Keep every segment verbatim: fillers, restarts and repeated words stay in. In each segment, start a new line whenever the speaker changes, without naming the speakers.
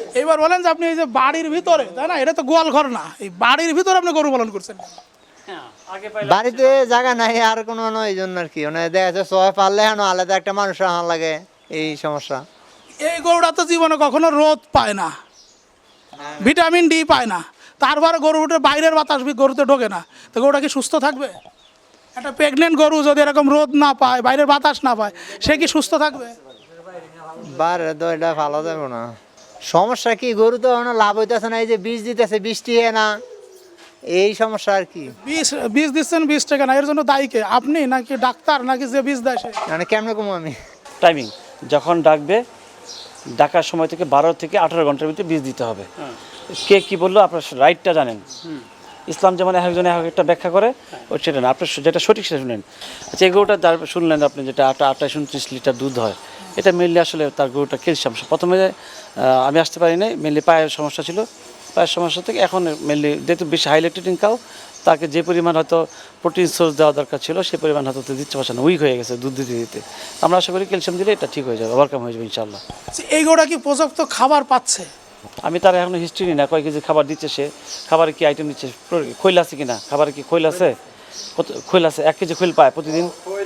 এবার বলেন যে আপনি এই যে বাড়ির ভিতরে, তাই না, এটা তো গোয়াল ঘর না, এই বাড়ির ভিতরে আপনি গরু পালন করছেন।
বাড়িতে জায়গা নাই আর কোনো নয়, এই জন্য আর কি মানে দেখা যাচ্ছে সবাই পারলে এখন আলাদা একটা মানুষ রাখা লাগে, এই সমস্যা।
এই গরুটা তো জীবনে কখনো রোদ পায় না, ভিটামিন ডি পায় না, তারপরে গরুটা বাইরের বাতাস গরুতে ঢোকে না, তো গরুটা কি সুস্থ থাকবে? একটা প্রেগনেন্ট গরু যদি এরকম রোদ না পায়, বাইরের বাতাস না পায়, সে কি সুস্থ থাকবে?
বারে তো এটা ভালো যাবে না। সমস্যা কি, গরু তো এখন লাভ হইতেছে না, এই যে বীজ দিতেছে বৃষ্টি হয় না, এই সমস্যা আর কি।
বীজ বীজ দিচ্ছেন বিশ টাকা না, এর জন্য দায়ী কে? আপনি নাকি ডাক্তার নাকি যে বীজ দেয় সে?
মানে কেমনে কমু আমি?
টাইমিং যখন ডাকবে, ডাকার সময় থেকে বারো থেকে আঠারো ঘন্টার ভিতরে বীজ দিতে হবে। কে কি বললো আপনার রাইটটা জানেন। ইসলাম যেমন এক একজনে এক একটা ব্যাখ্যা করে, ও সেটা না, আপনার যেটা সঠিক সেটা শুনেন। আচ্ছা, এই গরুটা যার শুনলেন আপনি, যেটা আটা আঠাশ উনত্রিশ লিটার দুধ হয়, এটা মেনলি আসলে তার গরুটা ক্যালসিয়াম। প্রথমে আমি আসতে পারি নাই, মেনলি পায়ের সমস্যা ছিল, পায়ের সমস্যা থেকে এখন মেনলি যেহেতু বেশি হাই ল্যাকটেটিং কাউ, তাকে যে পরিমাণ হয়তো প্রোটিন সোর্স দেওয়া দরকার ছিল সেই পরিমাণ হয়তো দিতে পারছে না, উইক হয়ে গেছে দুধ দিতে দিতে। আমরা আশা করি ক্যালসিয়াম দিলে এটা ঠিক হয়ে যাবে, ওভারকাম হয়ে যাবে ইনশাল্লাহ।
এই গরুটা কি পর্যাপ্ত খাবার পাচ্ছে?
আমি তার এখনো হিস্ট্রি নিই না, কয় কেজি খাবার দিচ্ছে সে, খাবারে কি আইটেম দিচ্ছে, খৈল আছে কিনা, খাবারে কি খৈল আছে, কত খৈল আছে, এক কেজি খৈল পায় প্রতিদিন।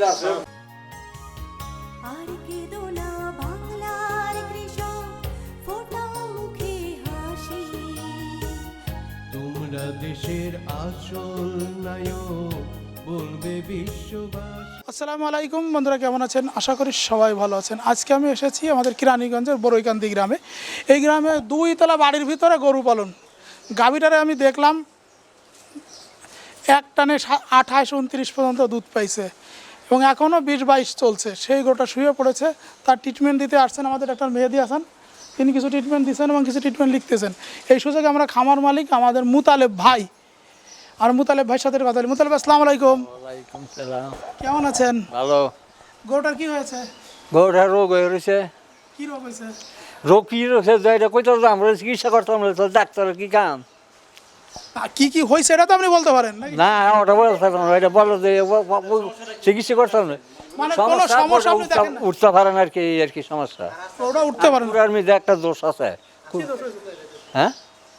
আর কেঁদো না বাংলার কৃষক, ফোটাও মুখে হাসি।
তোমরা দেশের আসল নায়ক, বলবে বিশ্ববাসী।
আসসালামু আলাইকুম বন্ধুরা, কেমন আছেন? আশা করি সবাই ভালো আছেন। আজকে আমি এসেছি আমাদের কিরানীগঞ্জের বড়ইকান্দি গ্রামে। এই গ্রামে দুই তলা বাড়ির ভিতরে গরু পালন। গাভীটারে আমি দেখলাম এক টানে আঠাশ উনত্রিশ পর্যন্ত দুধ পাইছে এবং এখনও বিশ বাইশ চলছে। সেই গরুটা শুয়ে পড়েছে, তার ট্রিটমেন্ট দিতে আসছেন আমাদের একটা মেহেদি হাসান। তিনি কিছু ট্রিটমেন্ট দিচ্ছেন এবং কিছু ট্রিটমেন্ট লিখতেছেন। এই সুযোগে আমরা খামার মালিক আমাদের মুতালেব ভাই আর মুতালেব ভাইয়ের সাথে কথা বলি। মুতালেব, আসসালামু আলাইকুম।
ওয়ালাইকুম সালাম।
কেমন আছেন?
ভালো।
গরুটার কি হয়েছে?
গরুটার রোগ হয়ে রয়েছে।
কি রোগ হয়েছে?
রোগ কি রয়েছে এটা কইতে আমরা চিকিৎসা করতাম, ডাক্তারের কি কাম?
আ, কি কি হয়েছে এটা তো আপনি বলতে পারেন নাকি?
না ওটা বলতে না, এটা বলো যে চিকিৎসা করতাম না।
মানে কোনো সমস্যা আপনি দেখেন না?
উঠতে পারে না আর কি, এই আর কি সমস্যা।
ওটা উঠতে পারেন না।
আর মধ্যে একটা দোষ আছে।
কি দোষ হয়েছে?
হ্যাঁ,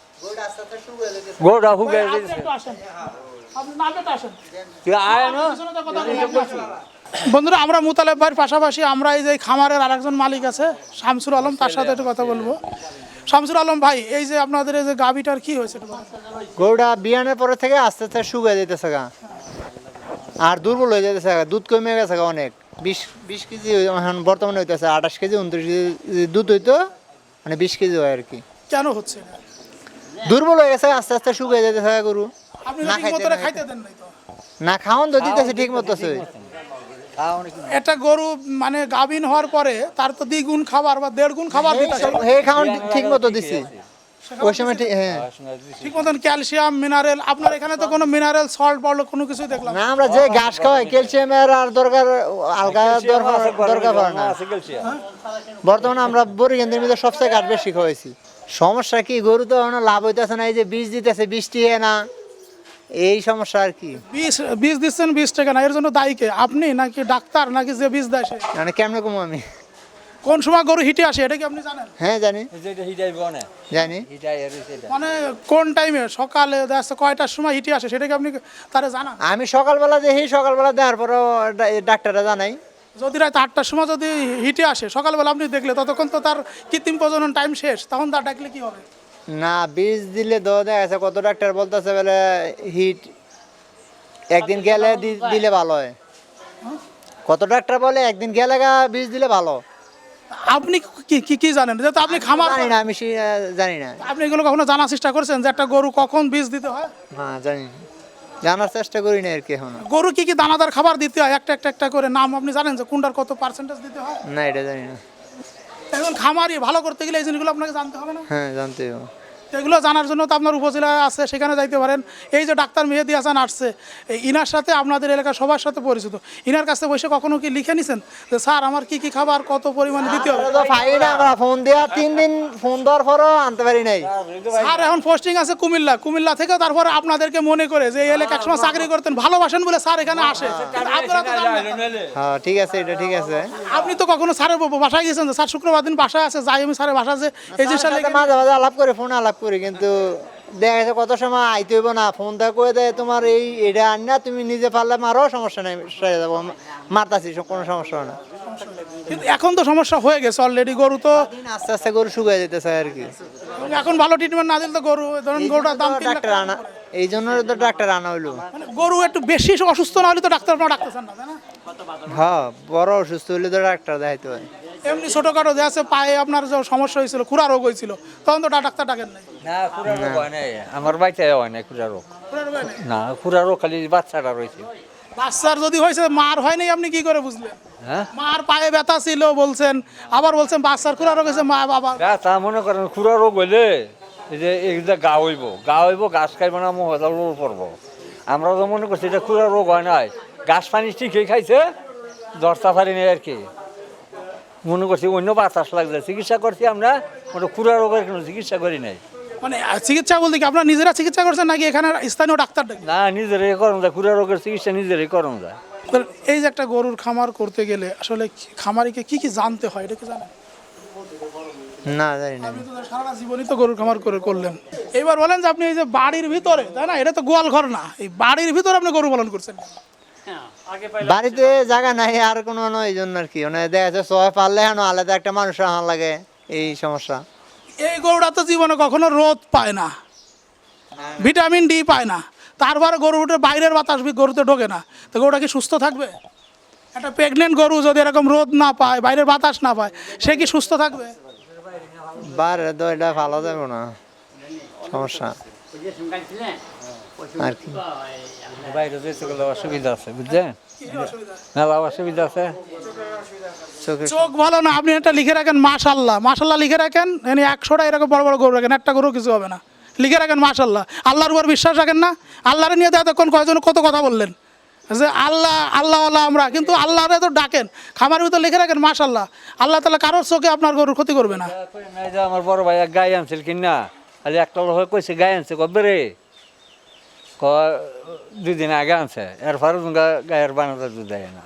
গরুটা হুগে
ভাই, আপনি একটু আসেন। আপনি নামটা আসেন।
আয় না।
পিছনে তো কথা বলি, আপনি আসেন। বন্ধুরা, আমরা মুতালেব ভাইয়ের পাশাপাশি আমরা এই যে খামারের আরেকজন মালিক আছে শামসুর আলম, তার সাথে একটু কথা বলবো। শামসুর আলম ভাই, এই যে আপনাদের এই যে গাভীটার কি হয়েছে একটু বলেন।
গরুটা বিয়ানের পরে থেকে আস্তে আস্তে শুকিয়ে যেতেছে গা, আর দুর্বল হয়ে যেতেছে গা, দুধ কমে গেছে গা অনেক। বিশ বিশ কেজি এখন বর্তমানে হইতেছে, আঠাশ কেজি উনত্রিশ কেজি দুধ হইতো, মানে বিশ কেজি হয় আর কি।
কেন হচ্ছে এটা?
দুর্বল হয়ে গেছে, আস্তে আস্তে শুকিয়ে যেতেছে গা গরু।
আপনি
না
ঠিক
খাইতে
মতো
না
খাইতে দেন নাই তো।
না খাওয়ান তো দিতেছে ঠিক মতো।
একটা গরু মানে গাভীন হওয়ার পরে তার তো দ্বিগুণ খাবার বা দেড় গুণ খাবার দিতে হয়।
হে খাওয়ান ঠিক মতো দিছি ওই সময়, ঠিক হ্যাঁ।
ঠিক মতন ক্যালসিয়াম মিনারেল, আপনার এখানে তো কোনো মিনারেল সল্ট পড়লো কোনো কিছুই দেখলাম
না, আমরা যে ঘাস খাওয়াই ক্যালসিয়ামের আর দরকার আলগা দরকার দরকার পড়ে না। বর্তমানে আমরা বরিগেন্দ্রের মধ্যে সবচেয়ে ঘাস বেশি খাওয়াইছি। সমস্যা কি, গরু তো এখন লাভ হইতেছে না, এই যে বীজ দিতেছে বৃষ্টি হয় না, এই সমস্যা আর কি।
বীজ বীজ দিচ্ছেন বিশ টাকা না, এর জন্য দায়ী কে? আপনি নাকি ডাক্তার নাকি যে বীজ দেয় সে?
মানে কেমনে কমু আমি?
কোন সময় গরু হিটে আসে এটা কি আপনি জানেন?
হ্যাঁ জানি জানি।
মানে কোন টাইমে, সকালে দেখা যাচ্ছে কয়টার সময় হিটে আসে সেটা কি আপনি তারা জানান?
আমি সকালবেলা দেখি, সকালবেলা দেওয়ার পরেও ডাক্তাররা জানাই।
যদি রাত আটটার সময় যদি হিটে আসে সকালবেলা আপনি দেখলে, ততক্ষণ তো তার কৃত্রিম প্রজনন টাইম শেষ, তখন তার ডাকলে কি হবে?
না, বীজ দিলে তো দেখা যাচ্ছে কত ডাক্তার বলতেছে বলে হিট একদিন গেলে দি- দিলে ভালো হয়। কত ডাক্তার বলে একদিন গেলে গা বীজ দিলে ভালো।
আপনি কি কি কি জানেন? যেহেতু আপনি খামার,
জানি না, আমি সে- জানি না।
আপনি এগুলো কখনো জানার চেষ্টা করেছেন যে একটা গরু কখন বীজ দিতে হয়?
হ্যাঁ জানি না, জানার চেষ্টা করি না আর কি এখন।
গরু কি কি দানাদার খাবার দিতে হয় একটা একটা একটা করে নাম আপনি জানেন যে কোনটার কত পার্সেন্টেজ দিতে হয়?
না, এটা জানি না।
এখন খামারই ভালো করতে গেলে এই জিনিসগুলো আপনাকে জানতে হবে না?
হ্যাঁ জানতে হবে।
এগুলো জানার জন্য তো আপনার উপজেলায় আছে, সেখানে যাইতে পারেন। এই যে ডাক্তার মেহেদি হাসান আসছে, এই ইনার সাথে আপনাদের এলাকার সবার সাথে পরিচিত। ইনার কাছে বসে কখনো কি লিখে নিছেন যে স্যার আমার কি কি খাবার কত পরিমাণে দিতে হবে?
আমরা তো পাই না, আমরা ফোন দেওয়া তিন দিন ফোন দেওয়ার পরও আনতে পারি নাই।
স্যার এখন পোস্টিং আছে কুমিল্লা, কুমিল্লা থেকে তারপরে আপনাদেরকে মনে করে যে এই এলাকা একসময় চাকরি করতেন, ভালোবাসেন বলে স্যার এখানে আসে। কিন্তু আপনারা তো জানেন না।
হ্যাঁ ঠিক আছে, এটা ঠিক আছে।
আপনি তো কখনো স্যারের বাসায় গেছেন যে স্যার শুক্রবার দিন বাসায় আছে, যাই আমি স্যারের বাসা যে এই জিনিসটা
সাথে
লিখে-
মাঝে মাঝে আলাপ করে, ফোনে আলাপ করি, কিন্তু দেখা গেছে কত সময় আইতে হইব না, ফোন দা করে দেয় তোমার এই এটা আন না, তুমি নিজে পারলে মারো, সমস্যা নাই, সেরে যাবো, মারতাছি, কোনো সমস্যা হয় না।
কিন্তু এখন তো সমস্যা হয়ে গেছে অলরেডি। গরু তো
দিন আস্তে আস্তে গরু শুকিয়ে যেতেছে আর কি।
এখন ভালো ট্রিটমেন্ট না দিলে তো গরু, ধরুন গরুটার দাম তিন লাখ
ডাক্তার আনা, এই জন্য তো ডাক্তার আনা হইলো।
মানে গরু একটু বেশি অসুস্থ না হলে তো ডাক্তার আপনারা ডাকতেছেন না, তাই না?
হ্যাঁ, বড় অসুস্থ হইলে তো ডাক্তার দেখাইতে হয়।
এমনি ছোটখাটো যে আছে পায়ে আপনার যে সমস্যা হয়েছিল, খুরা রোগ হয়েছিল, তখন তো ডাক্তার ডাকেন নাই।
না খুরা রোগ হয় নাই, আমার বাচ্চা হয় নাই খুরা রোগ।
খুরা রোগ হয় নাই?
না খুরা রোগ খালি বাচ্চাটা রয়েছে।
বাচ্চার যদি হয়েছে, মার হয় নাই, আপনি কি করে বুঝলেন?
হ্যাঁ
মার পায়ে ব্যথা ছিল বলছেন, আবার বলছেন বাচ্চার খুরা রোগ হয়েছে, মা বাবা।
তা মনে করেন খুরা রোগ হইলে এই যে এইটা গা হইব, গা হইব, গাছ খাইব না, মহলা রোগ পড়বো। আমরা তো মনে করছি এটা খুরা রোগ হয় নাই, গাছ পানি ঠিকই খাইছে, দশটা পারি নেই আর কি। মনে করছি অন্য বাতাস লাগছে, চিকিৎসা করছি আমরা, ওটা খুরা রোগের কোনো চিকিৎসা করি নাই।
মানে চিকিৎসা বলতে কি আপনারা নিজেরা চিকিৎসা করছেন নাকি এখানে স্থানীয় ডাক্তার ডাকেন?
না নিজেরাই করম যায়, খুরা রোগের চিকিৎসা নিজেরাই করম যায়।
ধরেন, এই যে একটা গরুর খামার করতে গেলে আসলে কি- খামারিকে কি কি জানতে হয়, এটা কি জানেন?
না জানি না।
আপনি তো সারা জীবনই তো গরুর খামার করে করলেন। এবার বলেন যে আপনি এই যে বাড়ির ভিতরে, তাই না, এটা তো গোয়াল ঘর না, এই বাড়ির ভিতরে আপনি গরু পালন করছেন।
বাড়িতে জায়গা নাই আর কোনো নয়, এই জন্য আর কি, মানে দেখা যাচ্ছে সবাই পারলে হেন আলাদা একটা মানুষ রাখা লাগে, এই সমস্যা।
এই গরুটা তো জীবনে কখনো রোদ পায় না, ভিটামিন ডি পায় না, তারপরে গরু উঠে বাইরের বাতাস বি- গরুতে ঢোকে না, তো গরুটা কি সুস্থ থাকবে? একটা প্রেগনেন্ট গরু যদি এরকম রোদ না পায়, বাইরের বাতাস না পায়, সে কি সুস্থ থাকবে?
বাইরে তো এটা ভালো যাবে না, সমস্যা আর কি।
বাইরে যেতে গেলে অসুবিধা আছে বুঝছেন, মেলা অসুবিধা আছে।
চোখে
চোখ ভালো না, আপনি একটা লিখে রাখেন মাশাল্লাহ, মাশাল্লাহ লিখে রাখেন, এনে একশোটা এরকম বড় বড় গরু রাখেন, একটা গরু কিছু হবে না, লিখে রাখেন মাশাল্লাহ। আল্লাহর উপর বিশ্বাস রাখেন না? আল্লাহরে নিয়ে তো এতক্ষণ কয়জন কত কথা বললেন যে আল্লাহ আল্লাহ আল্লাহ আমরা, কিন্তু আল্লাহরে তো ডাকেন, খামারের ভিতর লিখে রাখেন মাশাল্লাহ। আল্লাহ তাআলা কারোর চোখে আপনার গরুর ক্ষতি করবে না।
নাই যে আমার বড় ভাই এক গাই আনছিল কিনা, আজ একটা লোক কইছে গাই আনছে, কবে রে ক দুই দিন আগে আনছে, এরপরে গায়ের বানাতে দুধ দেয় না।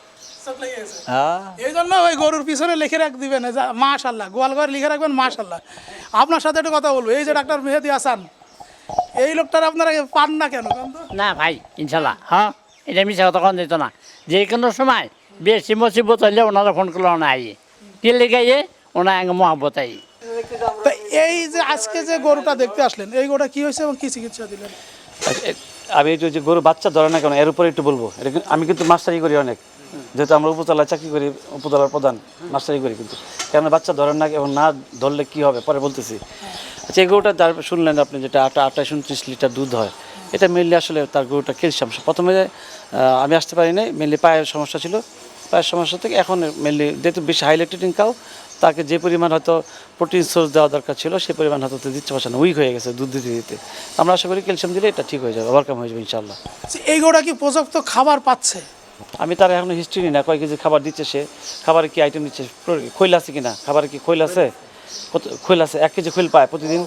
হ্যাঁ
এই জন্য ওই গরুর পিছনে লিখে রাখ দিবেন যে মাশাল্লাহ, গোয়াল ঘর লিখে রাখবেন মাশাল্লাহ। আপনার সাথে একটা কথা বলবো, এই যে ডাক্তার মেহেদি হাসান, এই লোকটার আপনারা পান না কেন? কারণ তো
না ভাই, ইনশাল্লাহ, হ্যাঁ, এটা মিশা কথা কন দিত না। যে কোনো সময় বেশি মুসিবত হইলে ওনারা ফোন করলে ওনা আই কে লেগাইয়ে ওনা আগে মহাব্বত আই।
তো এই যে আজকে যে গরুটা দেখতে আসলেন, এই গরুটা কি হয়েছে এবং কি চিকিৎসা দিলেন?
আচ্ছা, এ- আমি একটু যে গরু বাচ্চা ধরে না কেন এর উপরে একটু বলবো। এটা কিন্তু- আমি কিন্তু মাস্টারি করি অনেক, যেহেতু আমরা উপজেলায় চাকরি করি, উপজেলার প্রধান, মাস্টারি করি, কিন্তু কেন বাচ্চা ধরেন না এবং না ধরলে কি হবে পরে বলতেছি। আচ্ছা, এই গরুটা যার শুনলেন আপনি, যেটা আটা আঠাশ উনত্রিশ লিটার দুধ হয়, এটা মেনলি আসলে তার গরুটা ক্যালসিয়াম। প্রথমে আহ, আমি আসতে পারি নাই, মেনলি পায়ের সমস্যা ছিল, পায়ের সমস্যা থেকে এখন মেনলি যেহেতু বেশি হাই ল্যাকটেটিং কাউ, তাকে যে পরিমাণ হয়তো প্রোটিন সোর্স দেওয়া দরকার ছিল সেই পরিমাণ হয়তো তো দিচ্ছে পারছে না, উইক হয়ে গেছে দুধ দিতে দিতে। আমরা আশা করি ক্যালসিয়াম দিলে এটা ঠিক হয়ে যাবে, ওভারকাম হয়ে যাবে ইনশাল্লাহ।
আচ্ছা, এই গরুটা কি পর্যাপ্ত খাবার পাচ্ছে?
আমি তার এখনো হিস্ট্রি নিই না, কয় কেজি খাবার দিচ্ছে সে, খাবারে কি আইটেম দিচ্ছে, খৈল আছে কিনা, খাবারে কি খৈল আছে, কত খৈল আছে, এক কেজি খৈল পায় প্রতিদিন,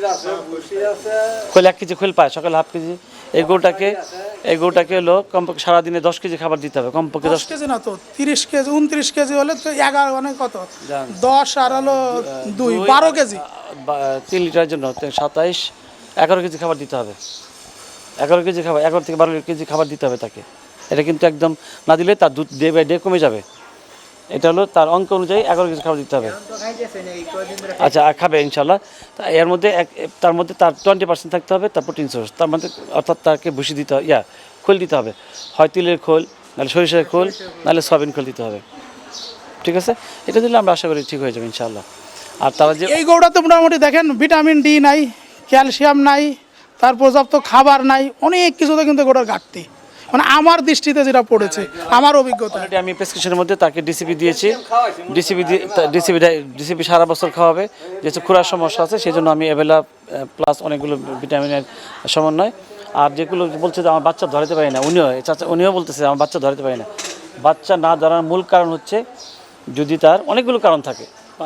খৈল এক কেজি খৈল পায়, সকালে হাফ কেজি। এই গরুটাকে এই গরুটাকে হলো কমপক্ষে সারাদিনে দশ কেজি খাবার দিতে হবে, কমপক্ষে দশ
দশ কেজি না তো তিরিশ কেজি, উনত্রিশ কেজি হলে তো এগারো, মানে কত,
জান।
দশ আর হলো দুই, বারো কেজি।
বা- তিন লিটারের জন্য সাতাইশ এগারো কেজি খাবার দিতে হবে, এগারো কেজি খাবার, এগারো থেকে বারো কেজি খাবার দিতে হবে তাকে। এটা কিন্তু একদম না দিলে তার দুধ ডে বাই ডে কমে যাবে। এটা হলো তার অঙ্ক অনুযায়ী এগারো কেজি খাবার দিতে হবে। আচ্ছা, আর খাবে ইনশাল্লাহ। তা এর মধ্যে এক তার মধ্যে তার টোয়েন্টি পার্সেন্ট থাকতে হবে তার প্রোটিন সোর্স, তার মধ্যে অর্থাৎ তাকে ভুসি দিতে হবে, ইয়া খোল দিতে হবে, হয় তিলের খোল, নাহলে সরিষার খোল, নাহলে সয়াবিন খোল দিতে হবে। ঠিক আছে, এটা দিলে আমরা আশা করি ঠিক হয়ে যাবে ইনশাল্লাহ। আর তারা যে
এই গরুটাতে মোটামুটি দেখেন ভিটামিন ডি নাই, ক্যালসিয়াম নাই, তার পর্যাপ্ত খাবার নাই, অনেক কিছুতে কিন্তু গরুর ঘাটতি। মানে আমার দৃষ্টিতে যেটা পড়েছে, আমার অভিজ্ঞতা।
অলরেডি আমি প্রেসক্রিপশনের মধ্যে তাকে ডিসিপি দিয়েছি, ডিসিপি দিয়ে ডিসিপি ডিসিপি সারা বছর খাওয়াবে, যেহেতু খুরার সমস্যা আছে সেই জন্য আমি এভেলা প্লাস অনেকগুলো ভিটামিনের সমন্বয়। আর যেগুলো বলছে যে আমার বাচ্চা ধরাতে পারি না, উনিও চাচা উনিও বলতেছে আমার বাচ্চা ধরাতে পারি না। বাচ্চা না ধরার মূল কারণ হচ্ছে যদি তার অনেকগুলো কারণ থাকে।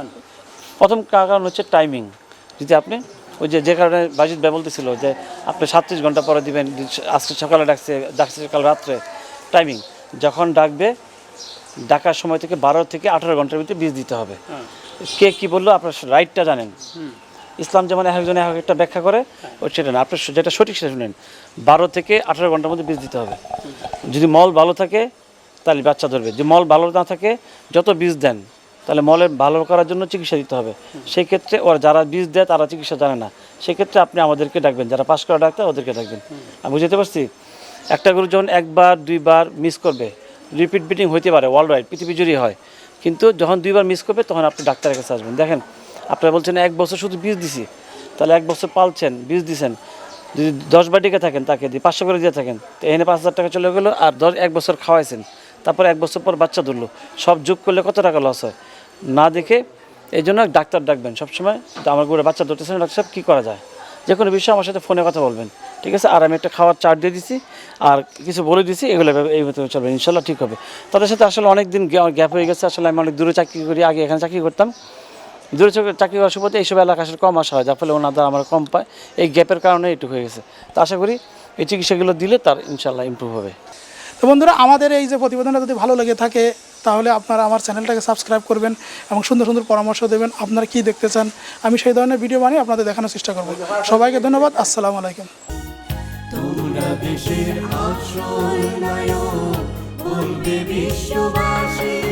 প্রথম কারণ হচ্ছে টাইমিং। যদি আপনি ওই যে যে কারণে বাজিদ ভাই বলতেছিল যে আপনি সাতত্রিশ ঘন্টা পরে দিবেন, আজকে সকালে ডাকছে ডাকছে সকাল রাত্রে, টাইমিং যখন ডাকবে ডাকার সময় থেকে বারো থেকে আঠারো ঘন্টার ভিতরে বীজ দিতে হবে। কে কি বললো আপনার রাইটটা জানেন। ইসলাম যেমন এক একজন এক একটা ব্যাখ্যা করে ওই সেটা না, আপনার যেটা সঠিক সেটা শুনেন। বারো থেকে আঠারো ঘন্টার মধ্যে বীজ দিতে হবে। যদি মল ভালো থাকে তাহলে বাচ্চা ধরবে, যদি মল ভালো না থাকে যত বীজ দেন তাহলে মলের ভালো করার জন্য চিকিৎসা দিতে হবে। সেই ক্ষেত্রে ওরা যারা বীজ দেয় তারা চিকিৎসা জানে না, সেক্ষেত্রে আপনি আমাদেরকে ডাকবেন, যারা পাস করা ডাক্তার ওদেরকে ডাকবেন। আমি বুঝতে পারছি একটা গরু যখন একবার দুইবার মিস করবে, রিপিট বিটিং হইতে পারে, ওয়ার্ল্ড ওয়াইড পৃথিবী জুড়ে হয়, কিন্তু যখন দুইবার মিস করবে তখন আপনি ডাক্তারের কাছে আসবেন। দেখেন আপনারা বলছেন এক বছর শুধু বীজ দিছি, তাহলে এক বছর পালছেন বীজ দিছেন, যদি দশ বাটিকে থাকেন তাকে দিয়ে পাঁচশো করে দিয়ে থাকেন তো এনে পাঁচ হাজার টাকা চলে গেলো, আর দশ এক বছর খাওয়াইছেন, তারপর এক বছর পর বাচ্চা ধরলো, সব যোগ করলে কত টাকা লস হয় না দেখে। এই জন্য ডাক্তার ডাকবেন সবসময়। তো আমার গরুর বাচ্চা ধরতেছেন, ডাক্তার সাহেব কী করা যায়, যে কোনো বিষয়ে আমার সাথে ফোনে কথা বলবেন, ঠিক আছে। আর আমি একটা খাওয়ার চার্ট দিয়ে দিছি আর কিছু বলে দিছি, এগুলো এইভাবে চলবে, ইনশাল্লাহ ঠিক হবে। তাদের সাথে আসলে অনেক দিন গ্যাপ হয়ে গেছে, আসলে আমি অনেক দূরে চাকরি করি, আগে এখানে চাকরি করতাম, দূরে চাকরি করার সুবাদে এইসব এলাকা আসলে কম আসা হয়, যার ফলে ওনাদের আমার কম পায়, এই গ্যাপের কারণে একটু হয়ে গেছে। তো আশা করি এই চিকিৎসাগুলো দিলে তার ইনশাল্লাহ ইমপ্রুভ হবে।
তো বন্ধুরা, আমাদের এই যে প্রতিবেদনটা যদি ভালো লেগে থাকে তাহলে আপনারা আমার চ্যানেলটাকে সাবস্ক্রাইব করবেন এবং সুন্দর সুন্দর পরামর্শ দেবেন, আপনারা কি দেখতে চান আমি সেই ধরনের ভিডিও বানিয়ে আপনাদের দেখানোর চেষ্টা করব। সবাইকে ধন্যবাদ, আসসালামু আলাইকুম।
তোমরা দেশের আসল নায়ক, বলবে বিশ্ববাসী।